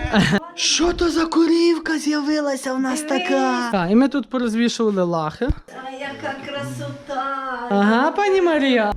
Що то за корівка з'явилася в нас така? Так, і ми тут порозвішували лахи. А яка красота! Ага, пані Марія.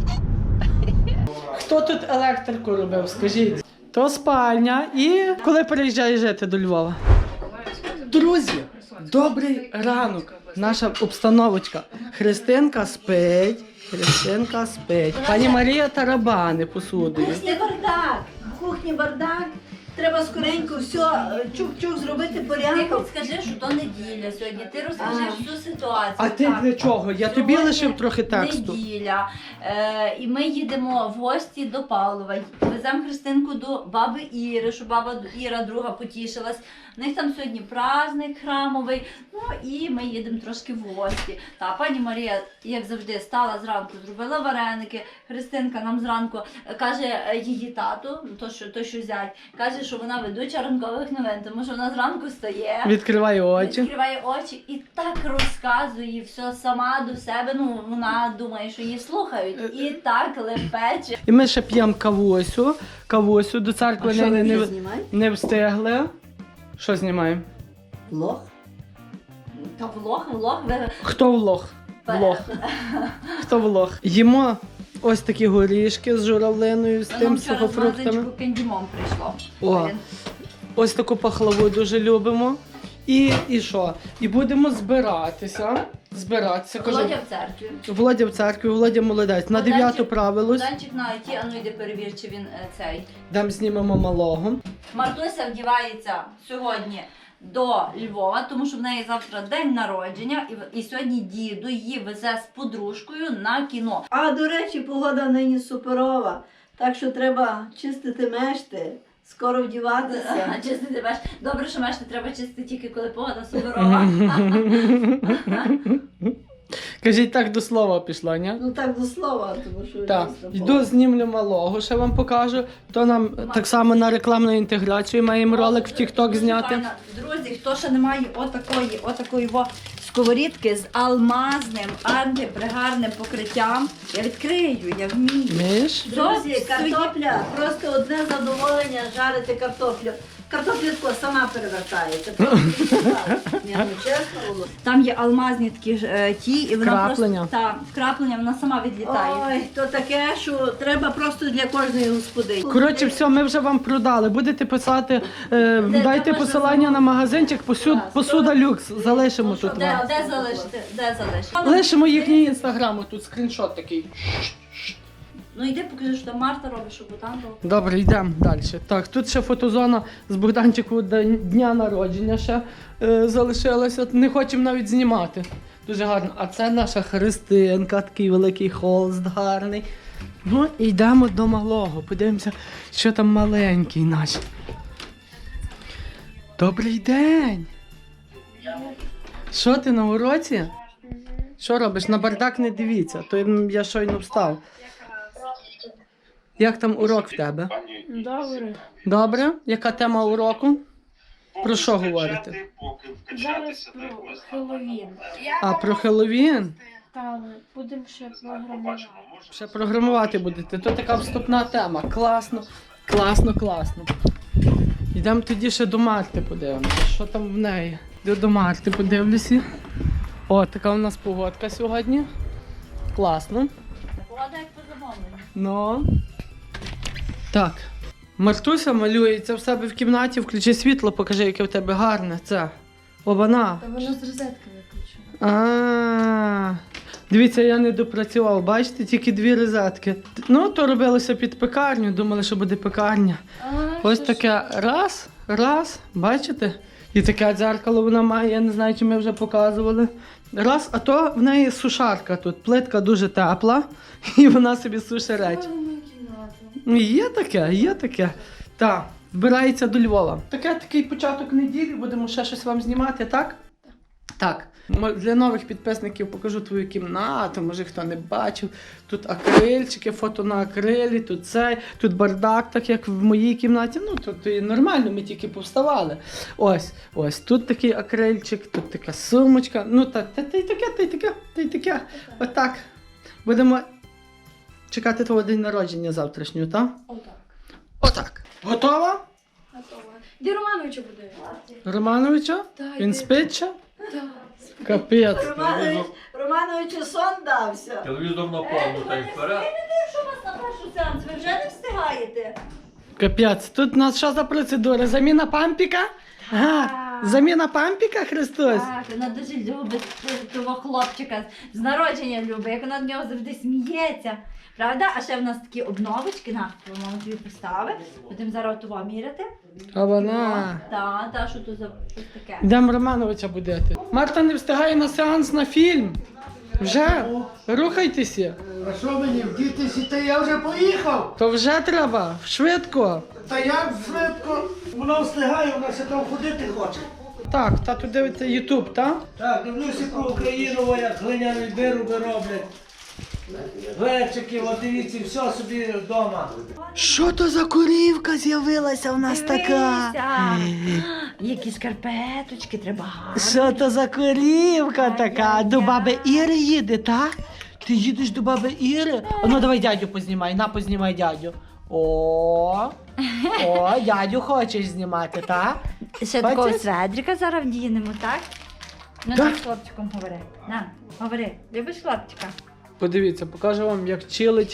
Хто тут електрику робив, скажіть? То спальня. І коли переїжджаєш жити до Львова? Друзі, добрий ранок. Наша обстановочка. Христинка спить. Христинка спить. Пані Марія тарабани посудою. Кухні бардак! В кухні бардак. Треба скоренько все, чук-чук зробити Ти порядок. хоч скажи, що то неділя сьогодні. Ти розкажи всю ситуацію. А ти Так. для чого? Я тобі Сьогодні лишив трохи тексту. Неділя. І ми їдемо в гості до Павлова. Веземо Христинку до баби Іри, щоб баба Іра друга потішилась. У них там сьогодні праздник храмовий. Ну і ми їдемо трошки в гості. Та пані Марія, як завжди, стала зранку, зробила вареники. Христинка нам зранку каже її тату, то що зять, каже, що вона ведуча ранкових новин, тому що вона зранку стає. Відкривай очі. Відкриває очі і так розказує все сама до себе. Ну, вона думає, що її слухають. І так лепече. І ми ще п'ємо кавусю до церкви А що ви не знімаєте? не встигли. Що знімаємо? Влог? Та влог. Хто влог? Влог. Хто влог? Їмо ось такі горішки з журавлиною, з тим Нам вчора з сухофруктами. магазинчику кендімом прийшло. О, ось таку пахлаву дуже любимо. І що? І будемо збиратися. Кажу, Володя в церкві. Володя в церкві, Володя молодець. На 9 правилось. Данчик на IT, а ну йди перевір, чи він цей. Там знімемо малого. Мартуся вдівається сьогодні до Львова, тому що в неї завтра день народження, і сьогодні діду її везе з подружкою на кіно. А, до речі, погода нині суперова. Так що треба чистити мешти, скоро вдіватися. Чистити меш. Добре, що меш не треба чистити тільки коли погода суперова. Кажіть, так до слова пішла, ні? Ну так до слова, тому що... Так, дійсно йду знімлю малого, ще вам покажу. То нам так само на рекламну інтеграцію маємо ролик в TikTok зняти. Друзі, хто ще не має отакої сковорідки з алмазним антипригарним покриттям, я відкрию, я вмію. Вмієш? Друзі, картопля, просто одне задоволення жарити картоплю. Картопля тако сама перевертається. Ні, ну чесно було. Там є алмазні такі ті, і вона Вкраплення. просто вкраплення, вона сама відлітає. Ой, то таке, що треба просто для кожної господині. Коротше, все, ми вже вам продали. Будете писати, дайте можна посилання на магазинчик, посуда люкс. Залишимо тут вам. Де залишити? Де залишити? Лишимо їхній інстаграм, тут скріншот такий. Ну йди покажи, що там Марта робить, щоб там було. Добре, йдемо далі. Так, тут ще фотозона з Богданчику дня народження ще залишилася. Не хочемо навіть знімати. Дуже гарно. А це наша Христинка, такий великий холст гарний. Ну, і йдемо до малого. Подивимося, що там маленький наш. Добрий день! Що ти на уроці? Що робиш? На бардак не дивіться, то я щойно встав. Як там урок в тебе? Добре. Добре? Яка тема уроку? Про що говорите? Зараз про Хеллоуін. А, про Хеллоуін? Там будемо ще програмувати. Ще програмувати будете. То така вступна тема. Класно, класно, класно. Йдемо тоді ще до Марти подивимося. Що там в неї? Йду до Марти подивлюся. О, така у нас погодка сьогодні. Класно. Погода як по замовленню. Ну. Так. Мартуся малюється в себе в кімнаті, включи світло, покажи, яке в тебе гарне. Це. Обана. Та воно з розетки виключено. А. Дивіться, я не допрацював, бачите, тільки 2 розетки. Ну, то робилося під пекарню, думали, що буде пекарня. Ось таке раз, бачите? І таке дзеркало вона має, я не знаю, чи ми вже показували. Раз, а то в неї сушарка тут, плитка дуже тепла, і вона собі суше речі. Є таке. Так, збирається до Львова. Такий початок неділі, будемо ще щось вам знімати, так? Так. Для нових підписників покажу твою кімнату, може хто не бачив. Тут акрильчики, фото на акрилі, тут бардак, так як в моїй кімнаті. Ну, тут і нормально, ми тільки повставали. Ось, тут такий акрильчик, тут така сумочка. Ну, та й таке. Отак. Будемо чекати твого день народження завтрашнього, так? Отак. Отак. Готова? готова. Де Романовича буде? Романовича? Так, Він йди. спить ще? Так. Капець. Романовичу сон дався. Телевізор на повну та й вперед. Що у вас на першу сеанс? Ви вже не встигаєте? Капець. Тут у нас що за процедура? Заміна пампіка? Ага. Заміна пампіка, Христос? Так, вона дуже любить того хлопчика. З народження любить, як вона до нього завжди сміється. Правда? А ще в нас такі обновочки, на, мама тобі поставить. Будемо зараз того міряти. А вона. Та, що тут за щось таке? Йдемо Романовича будити. Марта не встигає на сеанс на фільм. Вже? Рухайтеся. А що мені, вдітися, та я вже поїхав? То вже треба. Швидко. Та як швидко? Вона встигає, вона ще там ходити хоче. Так, тату дивиться Ютуб, так? Так, дивлюся про Україну, як глиняні вироби роблять. Глечики, от дивіться, все собі вдома. Що то за корівка з'явилася в нас Дивися! Які шкарпеточки треба гарні. Що то за корівка така? До баби Іри їде, так? Ти їдеш до баби Іри? Ну давай дядю познімай, познімай дядю. О, дядю хочеш знімати, так? Ще Бачиш? такого Фредрика зараз вдінемо, так? Ну, Так. з хлопчиком говори. На, говори. Любиш хлопчика? Подивіться, покажу вам, як чилить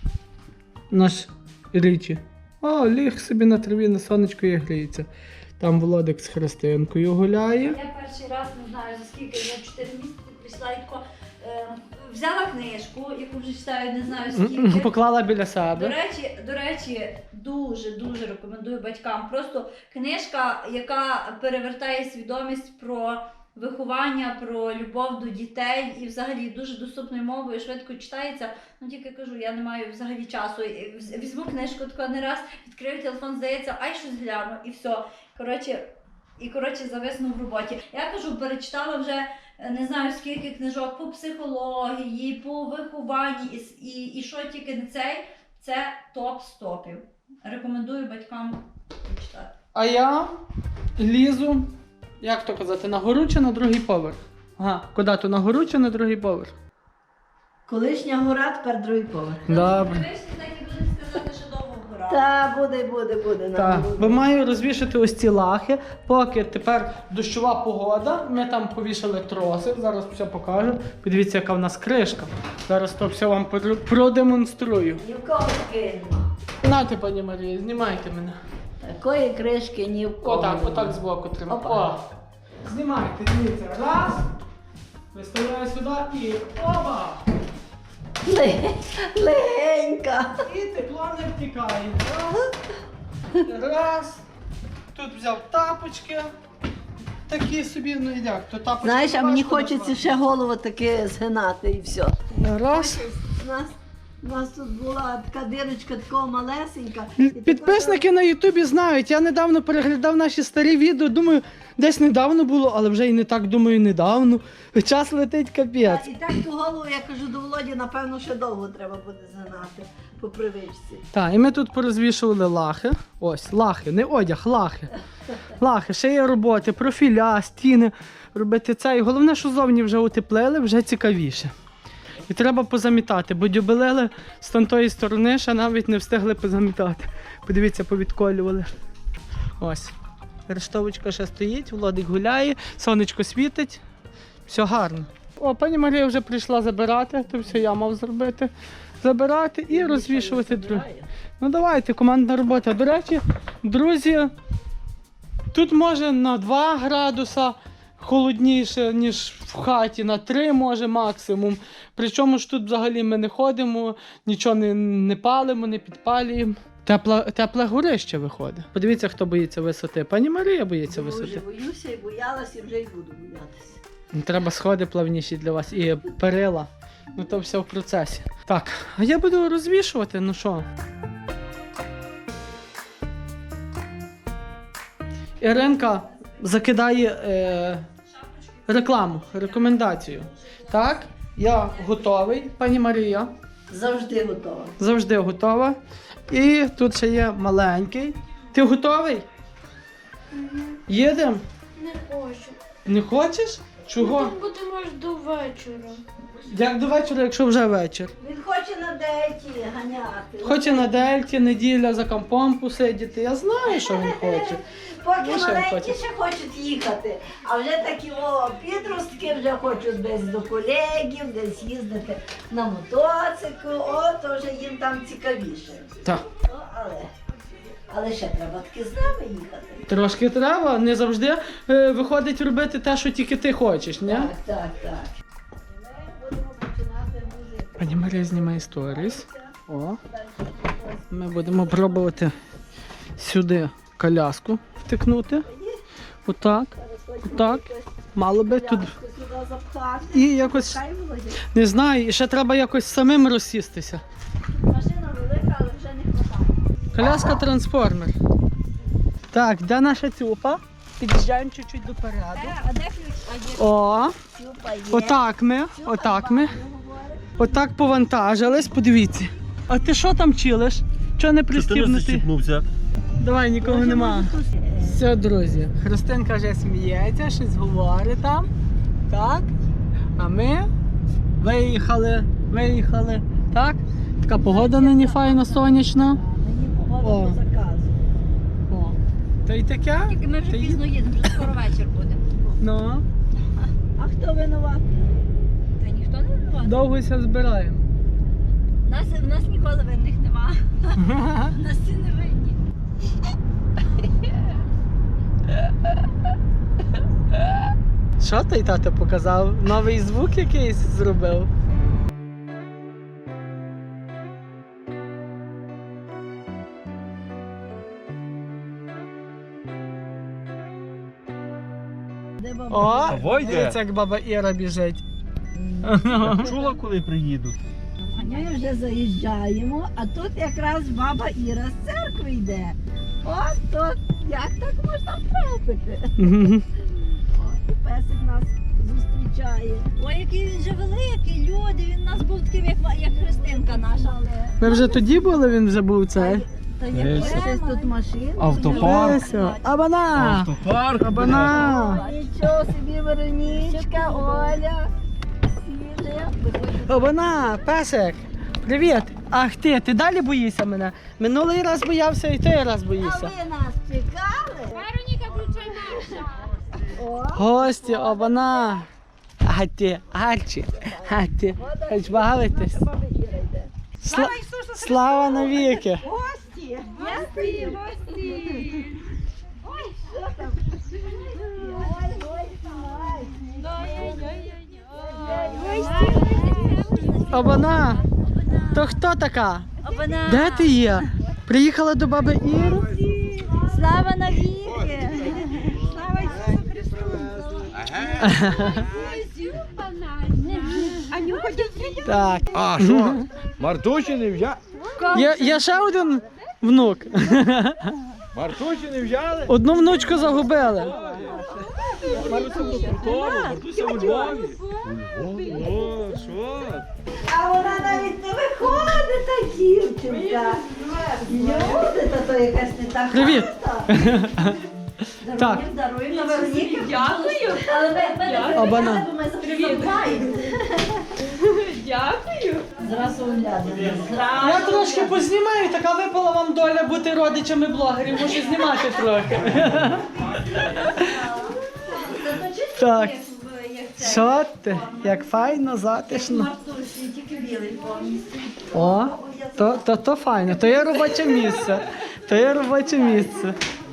наш Річі. О, ліг собі на траві, на сонечку і гріється. Там Володик з Христинкою гуляє. Я перший раз не знаю за скільки, я 4 місяці прийшла і тако, взяла книжку, яку вже читаю, не знаю скільки. Поклала біля себе. До речі, дуже рекомендую батькам. Просто книжка, яка перевертає свідомість про виховання, про любов до дітей і взагалі дуже доступною мовою, швидко читається. Ну тільки кажу, я не маю взагалі часу. Візьму книжку тако не раз, відкрию телефон, здається, ай щось гляну і все. Коротше, зависну в роботі. Я кажу, перечитала вже не знаю скільки книжок по психології, по вихованні і що тільки не цей, це топ з топів. Рекомендую батькам читати. А я лізу, як то казати, на гору чи на другий поверх? Ага, куди то, на гору чи на другий поверх? Колишня гора, тепер другий поверх. Добре. Дивишся, так і будуть сказати, що довго гора. Та, буде. Так, бо маю розвішати ось ці лахи, поки тепер дощова погода, ми там повішали троси, зараз все покажу. Подивіться, яка в нас кришка. Зараз то все вам продемонструю. Ні в кого такої нема. Нате, пані Марія, знімайте мене. Такої кришки ні в кого. Отак збоку тримаю. Опа. О, знімайте, дивіться. Раз, виставляю сюди і оба! Легенька. І тепло не втікає. Раз. Тут взяв тапочки. Такі собі, ну і як, то тапочки. Знаєш, а мені важко хочеться назвати. ще голову таке згинати і все. Раз. У нас тут була така дирочка, така малесенька. Підписники на Ютубі знають, я недавно переглядав наші старі відео, думаю, десь недавно було, але вже і не так, думаю, недавно. Час летить капець. І так ту голову, я кажу до Володі, напевно, ще довго треба буде згинати по привичці. Так, і ми тут порозвішували лахи. Ось, лахи, не одяг, лахи. Лахи, ще є роботи, профіля, стіни, робити це. І головне, що зовні вже утеплили, вже цікавіше. І треба позамітати, бо дюбелели з тої сторони ще навіть не встигли позамітати. Подивіться, повідколювали. Ось. Рештовочка ще стоїть, Володик гуляє, сонечко світить. Все гарно. О, пані Марія вже прийшла забирати, то все я мав зробити. Забирати і розвішувати друге. Ну давайте, командна робота. До речі, друзі, тут може на 2 градуса холодніше, ніж в хаті, на 3 може максимум. Причому ж тут взагалі ми не ходимо, нічого не палимо, не підпалюємо. Тепле горище виходить. Подивіться, хто боїться висоти. Пані Марія боїться Вже висоти. боюся і боялася, і вже й буду боятися. Треба сходи плавніші для вас і перила. Ну то все в процесі. Так, а я буду розвішувати, ну що. Іринка закидає рекламу, рекомендацію. Так, я готовий, пані Марія. Завжди готова. Завжди готова. І тут ще є маленький. Ти готовий? Їдемо? Не хочу. Не хочеш? Чого? Будемо аж до вечора. Як до вечора, якщо вже вечір? Він хоче на дейті ганяти. Хоче на дельті, неділя за компом посидіти. Я знаю, що він хоче. Поки Ну, що він маленькі хоче? ще хочуть їхати, а вже такі підростки вже хочуть десь до колегів, десь їздити на мотоциклу, то вже їм там цікавіше. Так. Але ще треба таки з нами їхати. Трошки треба, не завжди виходить робити те, що тільки ти хочеш, ні? Так. І ми будемо починати музику. Пані Марія знімає сторіс. О. Ми будемо пробувати сюди коляску втикнути. Отак. Отак. Мало би тут. Сюди запхати. І якось, Хай Володя. не знаю, і ще треба якось самим розсістися. Машина велика, але вже не хватає. Коляска трансформер. Так, де наша цюпа? Під'їжджаємо чуть-чуть допереду. А де ключ? О, Цюпа є. отак ми. Отак повантажились, подивіться. А ти що там чилиш? Чого не пристібнутий? Давай, нікого нема. Все, друзі, Христинка вже сміється, щось говорить там. Так. А ми виїхали. Так? Така погода нині файна, сонячна. Мені погода О. по заказу. О. Та й таке? Тільки ми вже Та й- пізно їдемо, вже скоро вечір буде. Ну, А хто винуват? Та ніхто не винуватий. довгося збираємо. В нас ніколи винних нема. У нас всі не винні. Що той тато показав? Новий звук якийсь зробив? Де баба? О, Войде. дивіться, як баба Іра біжить. Чула, коли приїдуть? Ми вже заїжджаємо, а тут якраз баба Іра з церкви йде. Ось тут, як так можна втрапити? О, і песик нас зустрічає. Ой, який він же великий, люди, він у нас був таким, як Христинка наша. Але Ми вже тоді були, він вже був цей. Та щось тут машин. Автопарк. Лесю, Абана! Автопарк. Абана! Нічого собі, Веронічка, Оля. Всі вже. Абана! Песик! Привіт! Ах ти далі боїшся мене? Минулий раз боявся і той раз А боїшся. ви нас чекали? Вероніка, включай наша. О, Гості, Абана! Арчі, хоч бавитись. баба Іра йде. Слава навіки! Гості! Гості, гості. Що там? Ой, Абана! То хто така? Обана. Де ти є? Приїхала до баби Іри? Слава навіки. Слава Ісусу Христу. Анюха, дівчинка. Так. А, що? Мартусі не взяли? Є ще один внук. Мартусі не взяли? Одну внучку загубили. Мартуся у Львові. О, що? А вона навіть не виходить, та дівчинка. Люди, та то якась не така. Привіт. Так. Даруємо Вероніки. Дякую. Але ми не Абана. Бо ми забуваємо. Дякую. Зразу оглядно. Я трошки познімаю, така випала вам доля бути родичами блогерів, можу знімати трохи. Так. Що ти? Як файно, затишно. Тільки білий повністю. О, то файно, то є робоче місце. То є робоче місце.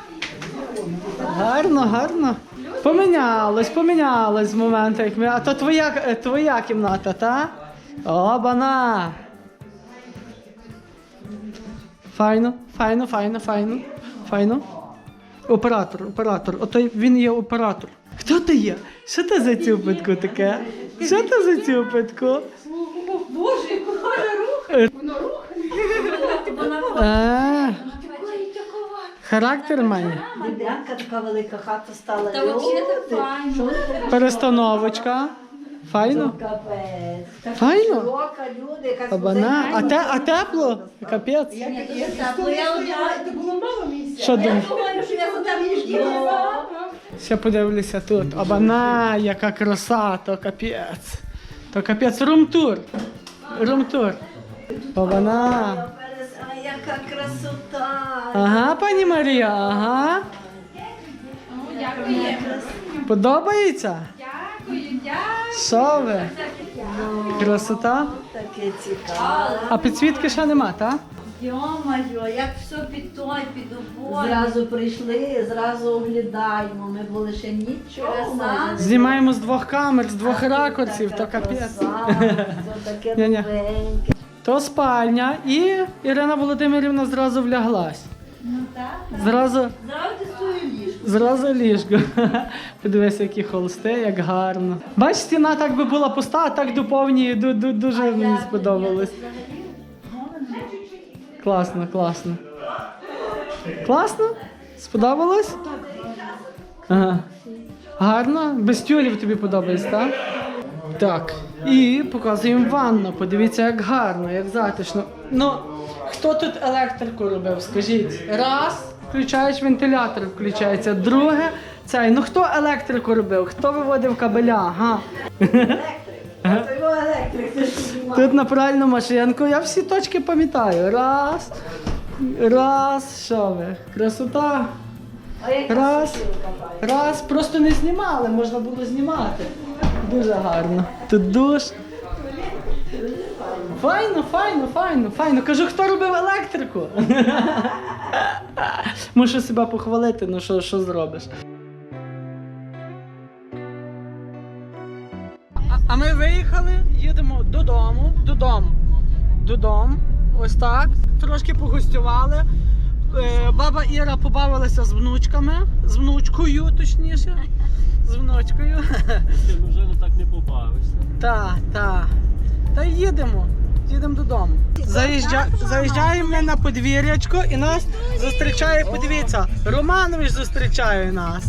Гарно. Помінялось з моменту, як ми. А то твоя кімната, та? О, бана. Файно. Оператор. Ото він є оператор. Хто ти є? Що це за цюпитко таке? Що це за цюпитко? Боже, яку гарна рух. Воно рухає. Характер має. Дебянка така велика хата стала. Та взагалі так Люди, файно. що ти? Перестановочка. Файно? Капець. Така Файно? широка, люди, яка Абана. А тепло? Капець. Ні, дуже тепло. Я одягаю. Було мало місця. Що думаєш? Думаю, що я за тебе їжджу. Ще подивлюся тут. Абана, яка краса, то капець. То капець, румтур. Румтур. Ована. А яка красота! Ага, пані Марія, ага. Подобається? Що ви? Красота. Таке цікаве. А підсвітки ще нема, так? Йо-моє, як все під той, під обоє. Зразу прийшли, зразу оглядаємо. Ми були ще нічого. Краса. Знімаємо з двох камер, з двох ракурсів, то капець. Це таке Ні-ні. новеньке. То спальня і Ірина Володимирівна зразу вляглась. Ну так. Зразу, Зразу ти свою ліжку. зразу ліжко. Подивися, які холсти, як гарно. Бач, стіна так би була пуста, а так доповнює, дуже мені сподобалось. Класно, класно. Класно? Сподобалось? Ага. Гарно? Без тюлів тобі подобається, так? Так. І показуємо ванну. Подивіться, як гарно, як затишно. Ну, хто тут електрику робив, скажіть? Раз, включаєш вентилятор, включається. Друге, цей. Ну хто електрику робив? Хто виводив кабеля? Ага. Це його електрик, ти ж знімав. Тут на пральну машинку. Я всі точки пам'ятаю. Раз. Раз. Що ви? Красота. А яка Раз. сушилка, бачиш? Раз. Просто не знімали, можна було знімати. Дуже гарно. Тут душ. Файно, файно, файно, файно. Кажу, хто робив електрику? Мушу себе похвалити, ну що зробиш. А ми виїхали, їдемо додому. Ось так. Трошки погостювали. Баба Іра побавилася з внучками, з внучкою, точніше. З внучкою. Ти вже так не побавишся. Та їдемо додому. Заїжджаємо ми на подвір'ячко і нас зустрічає, подивіться, Романович зустрічає нас.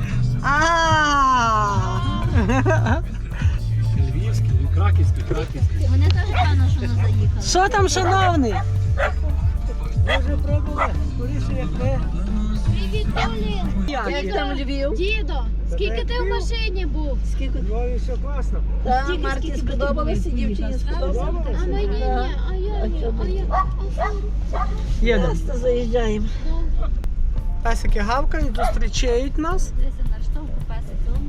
Львівський, краківський. Вони теж певно, що не заїхали. Що там, шановний? Може пробували? Скоріше, як ви. Привіт, Полін! Як там Львів? Дідо, скільки ти в машині був? Скільки? Львові все класно. Так, Марті сподобалося, дівчині сподобалося. А мені ні, а я ні, а я. Їдемо. Просто заїжджаємо. Песики гавкають, зустрічають нас. Дивися на штовху песик.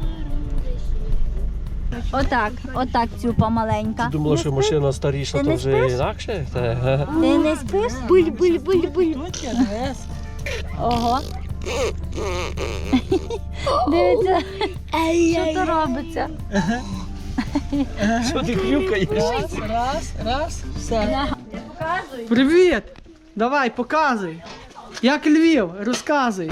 Отак, цюпа маленька. Думала, що машина старіша, Ти то не вже спиш? інакше. Ти не спиш? Буль. Ого. Дивіться, що то робиться. Що ти хрюкаєш? Раз, все. Я показую. Привіт! Давай, показуй. Як Львів, розказуй.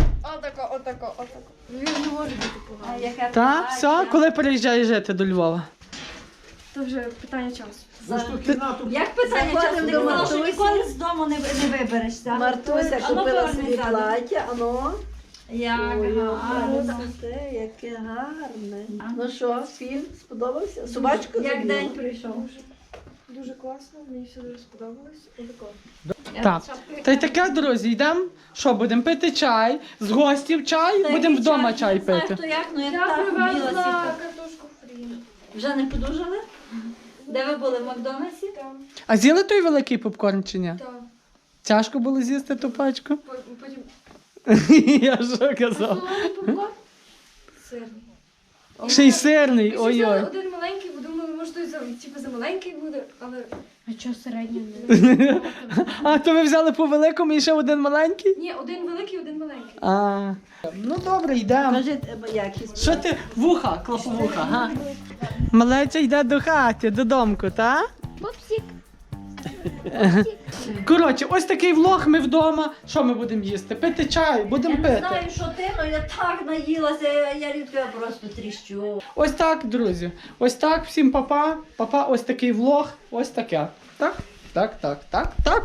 А яке Так, все, коли переїжджаєш жити до Львова? То вже питання часу. Як питання Заходимо часу? Ти до казала, що Мартусі. ніколи з дому не виберешся. Мартуся А ну, купила поверни собі задом. плаття, ано. Як Ой, гарно. те, яке гарне. Ну що, фільм сподобався? Собачку Як забила? день прийшов. Дуже класно, мені все дуже сподобалось. Отако. Так. Та й таке, друзі, йдемо. Що, будемо пити чай? З гостів чай? Будемо вдома чай Не знаю, пити. хто як, ну я Я так привезла вбілася. картошку фрі. Вже не подужали? Де ви були в Макдональдсі? Там, А з'їли той великий попкорн чи ні? там. Тяжко було з'їсти ту пачку? Потім Я що казав? солоний попкорн. Сирний. Ще й сирний, Ми ще взяли ой-ой. один маленький, бо думали, може той за маленький буде, але... А чого середній? А, то ви взяли по великому і ще один маленький? Ні, один великий, один маленький. А, ну добре, йдемо. Кажи, якість. Що ти? Вуха, клоповуха, га? Малеця йде до хати, додомку, та? Пупсик. Коротше, ось такий влог, ми вдома. Що ми будемо їсти? Пити чай, будемо Я не пити. знаю, що ти, але я так наїлася, я рідко просто тріщу. Ось так, друзі. Ось так, всім папа. Папа, ось такий влог, ось таке. Так? Так.